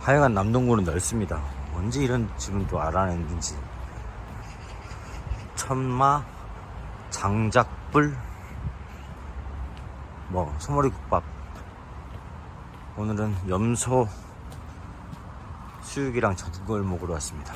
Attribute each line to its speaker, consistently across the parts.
Speaker 1: 하여간 남동구는 넓습니다. 언제 이런 집은 또 알아냈는지. 천마, 장작불, 소머리국밥. 오늘은 염소 수육이랑 전골 먹으러 왔습니다.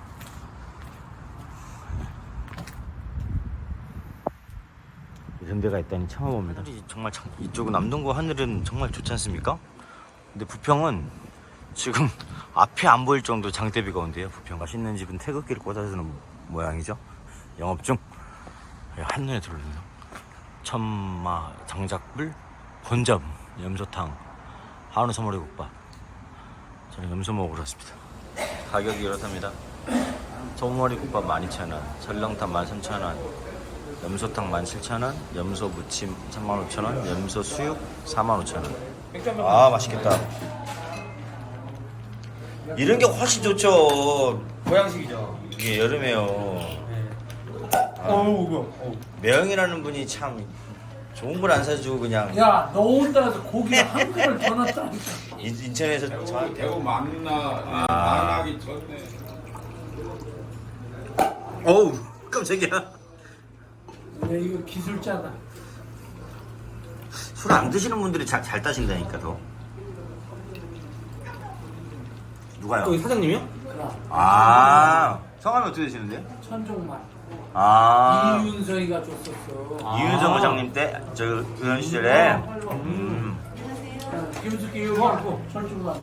Speaker 1: 이런 데가 있다니 처음 봅니다. 정말 이쪽 남동구 하늘은 정말 좋지 않습니까? 근데 부평은 지금 앞이 안 보일 정도 장대비가 온대요. 부평 맛있는 집은 태극기를 꽂아주는 모양이죠. 영업 중. 한눈에 들어오네요. 천마, 장작불, 본점, 염소탕, 한우 소머리국밥. 저는 염소 먹으러 왔습니다. 가격이 이렇답니다. 소머리국밥 12,000원, 설렁탕 13,000원, 염소탕 17,000원, 염소 무침 35,000원, 염소 수육 45,000원. 아, 맛있겠다. 이런 게 훨씬 좋죠.
Speaker 2: 보양식이죠.
Speaker 1: 이게 여름에요.
Speaker 2: 네.
Speaker 1: 매형이라는 분이 참 좋은 걸 안 사주고 그냥
Speaker 3: 야, 너 온다고 고기를 한 그릇 더 넣었다니까.
Speaker 1: 인천에서
Speaker 4: 대구 만나 만나기 전에
Speaker 1: 어우 깜짝이야.
Speaker 3: 야, 이거 기술자다.
Speaker 1: 술 안 드시는 분들이 잘 따신다니까 더. 누가요?
Speaker 2: 여기 사장님이요?
Speaker 3: 그럼
Speaker 1: 아 성함이 어떻게 되시는데?
Speaker 3: 천종만.
Speaker 1: 아
Speaker 3: 이윤서이가 줬었어.
Speaker 1: 이윤성 회장님 때 저 의원 시절에
Speaker 3: 김숙기 이거 하고 천종만.